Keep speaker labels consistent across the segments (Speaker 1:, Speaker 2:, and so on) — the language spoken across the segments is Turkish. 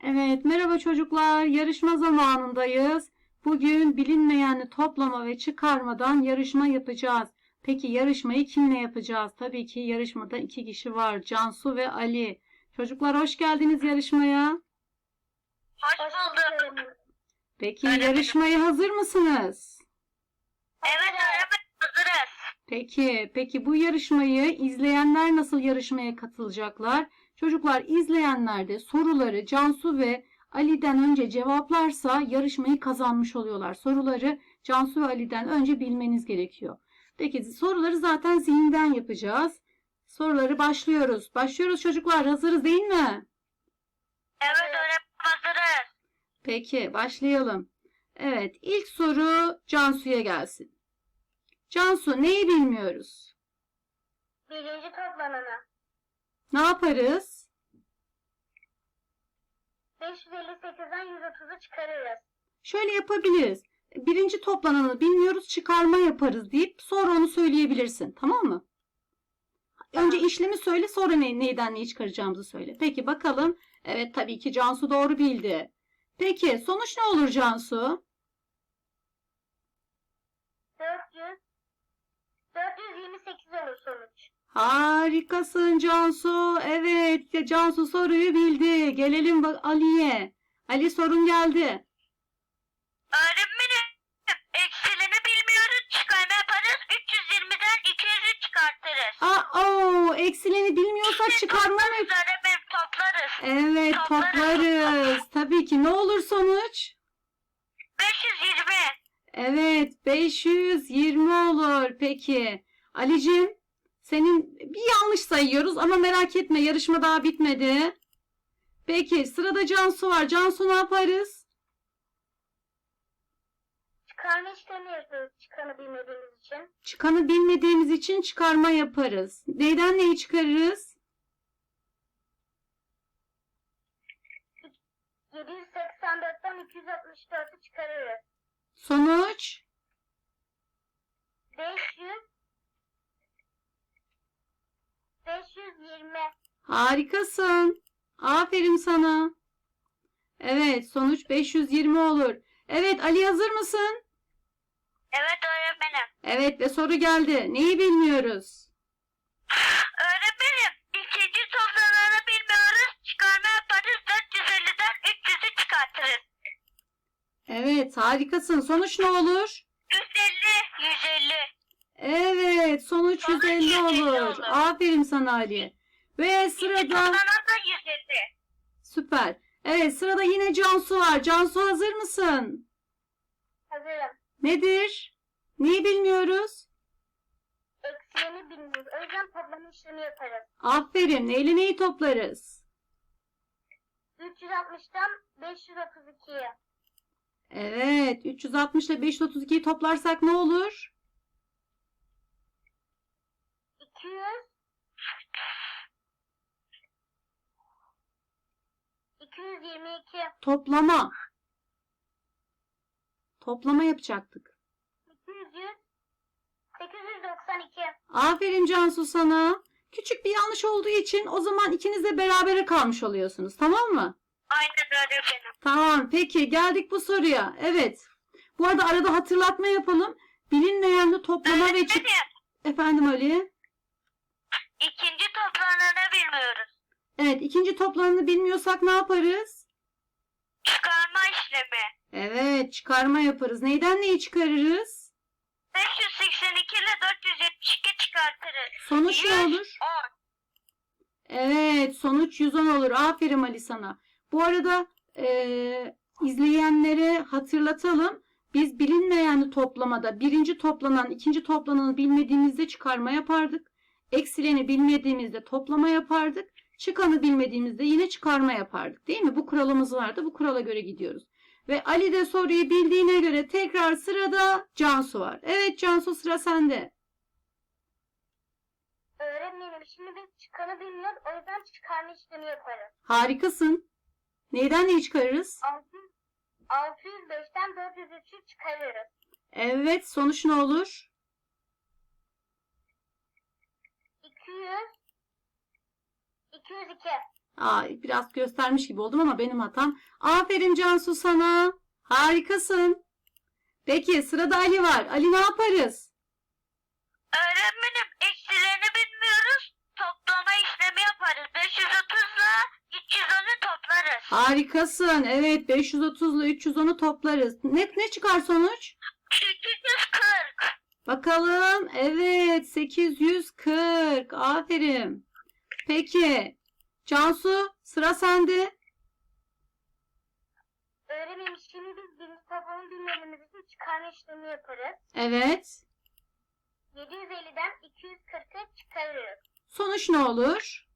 Speaker 1: Evet, merhaba çocuklar. Yarışma zamanındayız. Bugün bilinmeyenli toplama ve çıkarmadan yarışma yapacağız. Peki yarışmayı kimle yapacağız? Tabii ki yarışmada iki kişi var. Cansu ve Ali. Çocuklar hoş geldiniz yarışmaya.
Speaker 2: Hoş bulduk.
Speaker 1: Peki
Speaker 2: Öğretmenim.
Speaker 1: yarışmaya hazır mısınız?
Speaker 2: Evet öğretmenim, hazırız.
Speaker 1: Peki bu yarışmayı izleyenler nasıl yarışmaya katılacaklar? Çocuklar izleyenler de soruları Cansu ve Ali'den önce cevaplarsa yarışmayı kazanmış oluyorlar. Soruları Cansu ve Ali'den önce bilmeniz gerekiyor. Peki soruları zaten zihinden yapacağız. Soruları başlıyoruz. Başlıyoruz çocuklar. Hazırız değil mi?
Speaker 2: Evet öğretmenim, hazırız.
Speaker 1: Peki başlayalım. Evet, ilk soru Cansu'ya gelsin. Cansu, neyi bilmiyoruz?
Speaker 2: Birinci toplananı.
Speaker 1: Ne yaparız?
Speaker 2: 558'den 130'u çıkarırız.
Speaker 1: Şöyle yapabiliriz. Birinci toplananı bilmiyoruz, çıkarma yaparız deyip sonra onu söyleyebilirsin. Tamam mı? Önce işlemi söyle, sonra neyden neyi çıkaracağımızı söyle. Peki bakalım. Evet, tabii ki Cansu doğru bildi. Peki sonuç ne olur Cansu?
Speaker 2: 428 olur sonuç.
Speaker 1: Harikasın Cansu. Evet, Cansu soruyu bildi. Gelelim Ali'ye. Ali, sorun geldi.
Speaker 2: Öğretmenim, eksilini bilmiyoruz, çıkarma yaparız. 320'den 200'ü çıkartırız.
Speaker 1: Eksileni bilmiyorsak çıkarma mı?
Speaker 2: Öğretmenim, toplarız.
Speaker 1: Evet, toplarız. Tabii ki. Ne olur sonuç?
Speaker 2: 520.
Speaker 1: Evet, 520 olur. Peki. Alicim, senin bir yanlış sayıyoruz ama merak etme, yarışma daha bitmedi. Peki, sırada Cansu var. Cansu, ne yaparız?
Speaker 2: Çıkarma işlemi yapıyoruz, çıkanı bilmediğimiz için.
Speaker 1: Çıkanı bilmediğimiz için çıkarma yaparız. Neyden neyi çıkarırız?
Speaker 2: 784'ten 264'ü çıkarırız.
Speaker 1: Sonuç?
Speaker 2: 520.
Speaker 1: Harikasın. Aferin sana. Evet, sonuç 520 olur. Evet, Ali, hazır mısın?
Speaker 2: Evet öğretmenim.
Speaker 1: Evet, ve soru geldi. Neyi bilmiyoruz?
Speaker 2: Öğretmenim, ikinci toplamını bilmiyoruz. Çıkarma yaparız. 450'den 300'ü çıkartırız.
Speaker 1: Evet, harikasın. Sonuç ne olur?
Speaker 2: 150.
Speaker 1: Evet, sonuç 150
Speaker 2: 150
Speaker 1: olur.
Speaker 2: olur.
Speaker 1: Aferin sana Ali. Ve
Speaker 2: İkinci
Speaker 1: sırada...
Speaker 2: toplanan da 150.
Speaker 1: Süper. Evet, sırada yine Cansu var. Cansu, hazır mısın?
Speaker 2: Hazırım.
Speaker 1: Nedir? Neyi bilmiyoruz?
Speaker 2: Eksileni bilmiyoruz. O yüzden toplama işlemi yaparız.
Speaker 1: Aferin. Neyle neyi toplarız?
Speaker 2: 360'tan 532'ye.
Speaker 1: Evet, 360 ile 532'yi toplarsak ne olur?
Speaker 2: 200. 222.
Speaker 1: Toplama. Toplama yapacaktık.
Speaker 2: 800. 892.
Speaker 1: Aferin Cansu sana. Küçük bir yanlış olduğu için o zaman ikiniz de berabere kalmış oluyorsunuz. Tamam mı?
Speaker 2: Aynen öğretmenim.
Speaker 1: Tamam. Peki geldik bu soruya. Evet. Bu arada arada hatırlatma yapalım. Bilinmeyenli toplama ve
Speaker 2: Öğretmenim,
Speaker 1: Efendim Ali?
Speaker 2: ikinci toplananı bilmiyoruz.
Speaker 1: Evet. İkinci toplamını bilmiyorsak ne yaparız?
Speaker 2: Çıkarma işlemi.
Speaker 1: Evet. Çıkarma yaparız. Neyden neyi çıkarırız?
Speaker 2: 582 ile 472 çıkartırız.
Speaker 1: Sonuç ne olur?
Speaker 2: 10.
Speaker 1: Evet, sonuç 110 olur. Aferin Ali sana. Bu arada izleyenlere hatırlatalım. Biz bilinmeyenli toplamada birinci toplanan, ikinci toplananı bilmediğimizde çıkarma yapardık. Eksileni bilmediğimizde toplama yapardık. Çıkanı bilmediğimizde yine çıkarma yapardık. Değil mi? Bu kuralımız vardı. Bu kurala göre gidiyoruz. Ve Ali de soruyu bildiğine göre tekrar sırada Cansu var. Evet Cansu, sıra sende.
Speaker 2: Öğretmenim, şimdi biz çıkanı bilmiyoruz. O yüzden çıkarma işlemi yaparız.
Speaker 1: Harikasın. Neyden neyi çıkarırız?
Speaker 2: 605'ten 403'ü çıkarırız.
Speaker 1: Evet, sonuç ne olur?
Speaker 2: 200. 202.
Speaker 1: Biraz göstermiş gibi oldum ama benim hatam. Aferin Cansu sana. Harikasın. Peki sırada Ali var. Ali ne yaparız?
Speaker 2: Öğretmenim eksilerini bilmiyoruz. Toplama işlemi yaparız. 530 ile 310'u toplarız.
Speaker 1: Harikasın. Evet 530 ile 310'u toplarız. Ne çıkar sonuç?
Speaker 2: 840.
Speaker 1: Bakalım. Evet 840. Aferin. Peki Cansu sıra sende.
Speaker 2: Öğretmenim şimdi biz birinci toplamı bilmediğimiz için çıkarma işlemi yaparız.
Speaker 1: Evet.
Speaker 2: 750'den 240'ı çıkarıyoruz.
Speaker 1: Sonuç ne olur?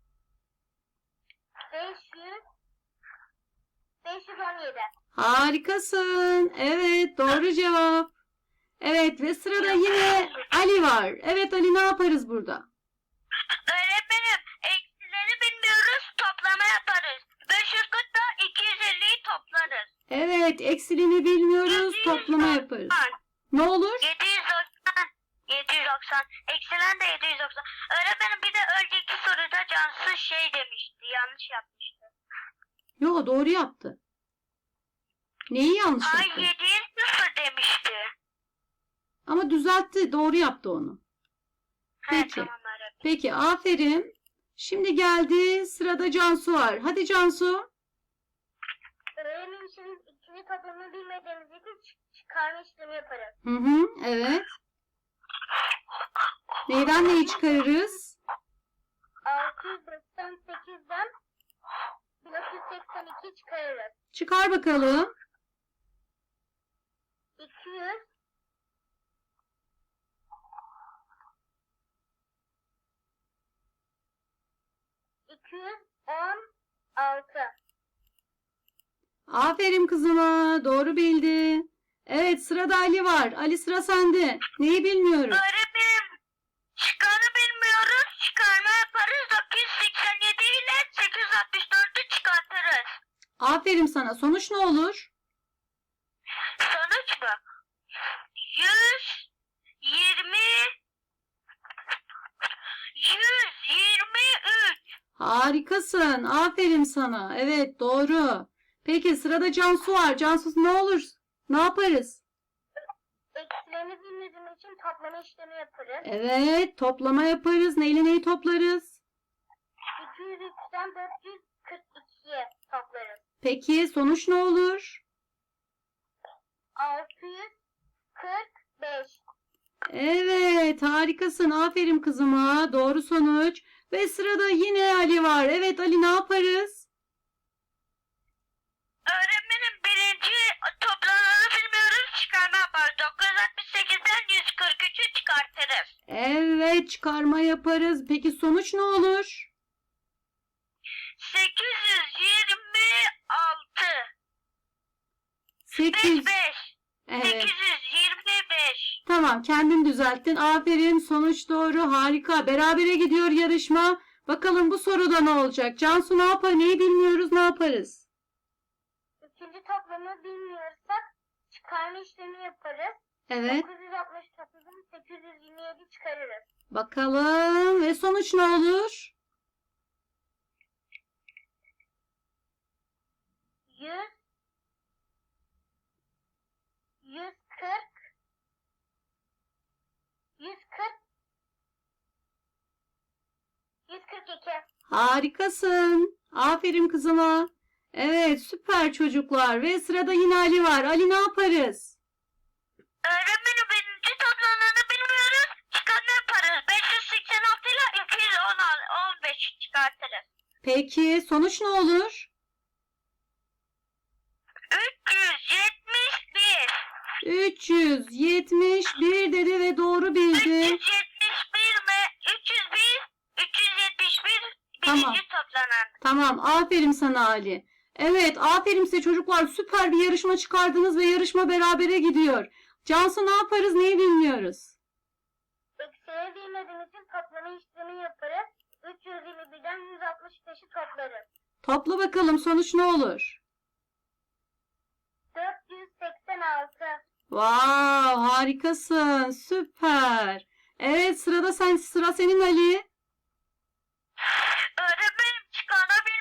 Speaker 2: 517.
Speaker 1: Harikasın. Evet doğru cevap. Evet ve sırada yine Ali var. Evet Ali ne yaparız burada?
Speaker 2: Öğretmenim eksileri bilmiyoruz. Toplama yaparız. 540'da 250'yi toplarız.
Speaker 1: Evet eksilini bilmiyoruz. Toplama yaparız. Ne olur?
Speaker 2: 790. Eksilen de 790. Öğretmenim bir de önceki soruda Cansu şey demişti. Yanlış yapmıştı.
Speaker 1: Yo doğru yaptı. Neyi yanlış
Speaker 2: Ay
Speaker 1: yaptı?
Speaker 2: 7'ye 0 demişti.
Speaker 1: Ama düzeltti. Doğru yaptı onu.
Speaker 2: He,
Speaker 1: Peki.
Speaker 2: tamam öğretmenim.
Speaker 1: Peki aferin. Şimdi geldi sırada Cansu var. Hadi Cansu.
Speaker 2: Öğretmenim şimdi ikili toplamı bilmediğimiz için çıkarma işlemi yaparız.
Speaker 1: Hı hı, evet. Neyden neyi çıkarırız?
Speaker 2: 698'den 1982 çıkarırız.
Speaker 1: Çıkar bakalım.
Speaker 2: 200 216.
Speaker 1: Aferin kızıma. Doğru bildi. Evet sırada Ali var. Ali sıra sende. Neyi bilmiyoruz?
Speaker 2: Öğretmenim çıkanı bilmiyoruz. Çıkarma yaparız. 987 ile 864'ü çıkartırız.
Speaker 1: Aferin sana. Sonuç ne olur?
Speaker 2: Sonuç mu? 123.
Speaker 1: Harikasın. Aferin sana. Evet doğru. Peki sırada Cansu var. Cansu ne olur? Ne yaparız?
Speaker 2: Eksilerini bilmediğimiz için toplama işlemi yaparız.
Speaker 1: Evet toplama yaparız. Neyle neyi toplarız?
Speaker 2: 203'ten 442'ye toplarız.
Speaker 1: Peki sonuç ne olur?
Speaker 2: 645.
Speaker 1: Evet harikasın. Aferin kızıma. Doğru sonuç. Ve sırada yine Ali var. Evet Ali ne yaparız?
Speaker 2: Öğretmenim birinci toplamını bilmiyoruz. Çıkarma yaparız. 968'den 143'ü çıkartırız.
Speaker 1: Evet çıkarma yaparız. Peki sonuç ne olur?
Speaker 2: 826.
Speaker 1: 8.
Speaker 2: 5.
Speaker 1: Evet.
Speaker 2: 825.
Speaker 1: Tamam kendin düzelttin. Aferin. Sonuç doğru. Harika. Berabere gidiyor yarışma. Bakalım bu soruda ne olacak? Cansu ne yapar? Neyi bilmiyoruz? Ne yaparız?
Speaker 2: İkinci toplamı bilmiyorsak çıkarma işlemi yaparız.
Speaker 1: Evet.
Speaker 2: 969'dan 827 çıkarırız.
Speaker 1: Bakalım. Ve sonuç ne olur?
Speaker 2: 100 140 142.
Speaker 1: Harikasın. Aferin kızıma. Evet süper çocuklar. Ve sırada yine Ali var. Ali ne yaparız?
Speaker 2: Öğretmenim birinci toplamını bilmiyoruz. Çıkarma yaparız. 586 ile 215 çıkartırız.
Speaker 1: Peki sonuç ne olur?
Speaker 2: 371.
Speaker 1: 371 dedi ve doğru bildi.
Speaker 2: 371 mi? 371
Speaker 1: Tamam.
Speaker 2: birinci toplanan.
Speaker 1: Tamam, aferin sana Ali. Evet, aferin size çocuklar. Süper bir yarışma çıkardınız ve yarışma berabere gidiyor. Cansu ne yaparız, neyi bilmiyoruz?
Speaker 2: Eksiğe bilmediğimiz için toplama işlemi yaparız. 321'den 165'i toplarız.
Speaker 1: Topla bakalım sonuç ne olur?
Speaker 2: 486.
Speaker 1: Wow, harikasın. Süper. Evet, sıra senin Ali.
Speaker 2: Öğretmenim çıkarma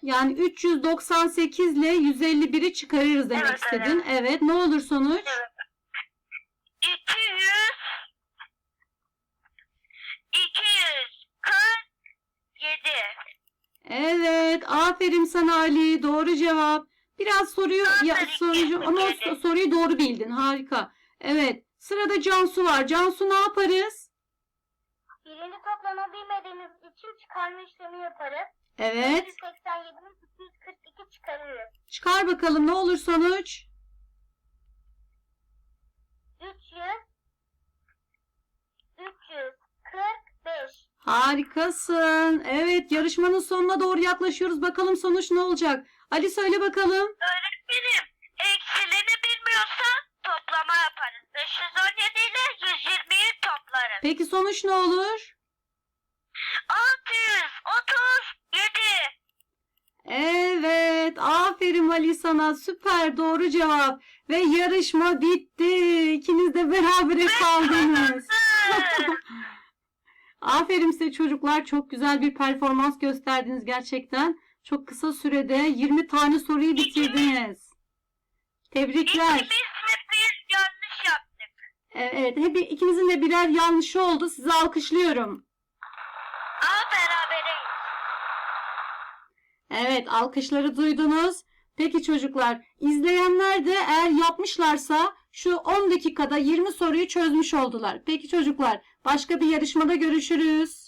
Speaker 1: Yani 398 ile 151'i çıkarırız demek
Speaker 2: Evet,
Speaker 1: istedin. Evet. Ne olur sonuç?
Speaker 2: Evet. 247.
Speaker 1: Evet. Aferin sana Ali. Doğru cevap. Biraz soruyu
Speaker 2: Aferin,
Speaker 1: ama
Speaker 2: kesinlikle.
Speaker 1: soruyu doğru bildin. Harika. Evet. Sırada Cansu var. Cansu ne yaparız?
Speaker 2: Birinci toplama bilmediğimiz için çıkarma işlemi yaparız.
Speaker 1: Evet.
Speaker 2: 287'den 242 çıkarırız.
Speaker 1: Çıkar bakalım ne olur sonuç?
Speaker 2: 345.
Speaker 1: Harikasın. Evet, yarışmanın sonuna doğru yaklaşıyoruz. Bakalım sonuç ne olacak? Ali söyle bakalım.
Speaker 2: Öğretmenim, eksilini bilmiyorsan toplama yaparız. 517 ile 120'yi toplarız.
Speaker 1: Peki sonuç ne olur?
Speaker 2: 637.
Speaker 1: Evet, aferin Ali sana. Süper, doğru cevap. Ve yarışma bitti. İkiniz de berabere kaldınız. Aferin size çocuklar. Çok güzel bir performans gösterdiniz gerçekten. Çok kısa sürede 20 tane soruyu bitirdiniz. Tebrikler.
Speaker 2: İkimiz hep yanlış yaptık.
Speaker 1: Evet, ikinizin de birer yanlışı oldu. Sizi alkışlıyorum.
Speaker 2: Ama berabereyiz.
Speaker 1: Evet, alkışları duydunuz. Peki çocuklar, izleyenler de eğer yapmışlarsa şu 10 dakikada 20 soruyu çözmüş oldular. Peki çocuklar, başka bir yarışmada görüşürüz.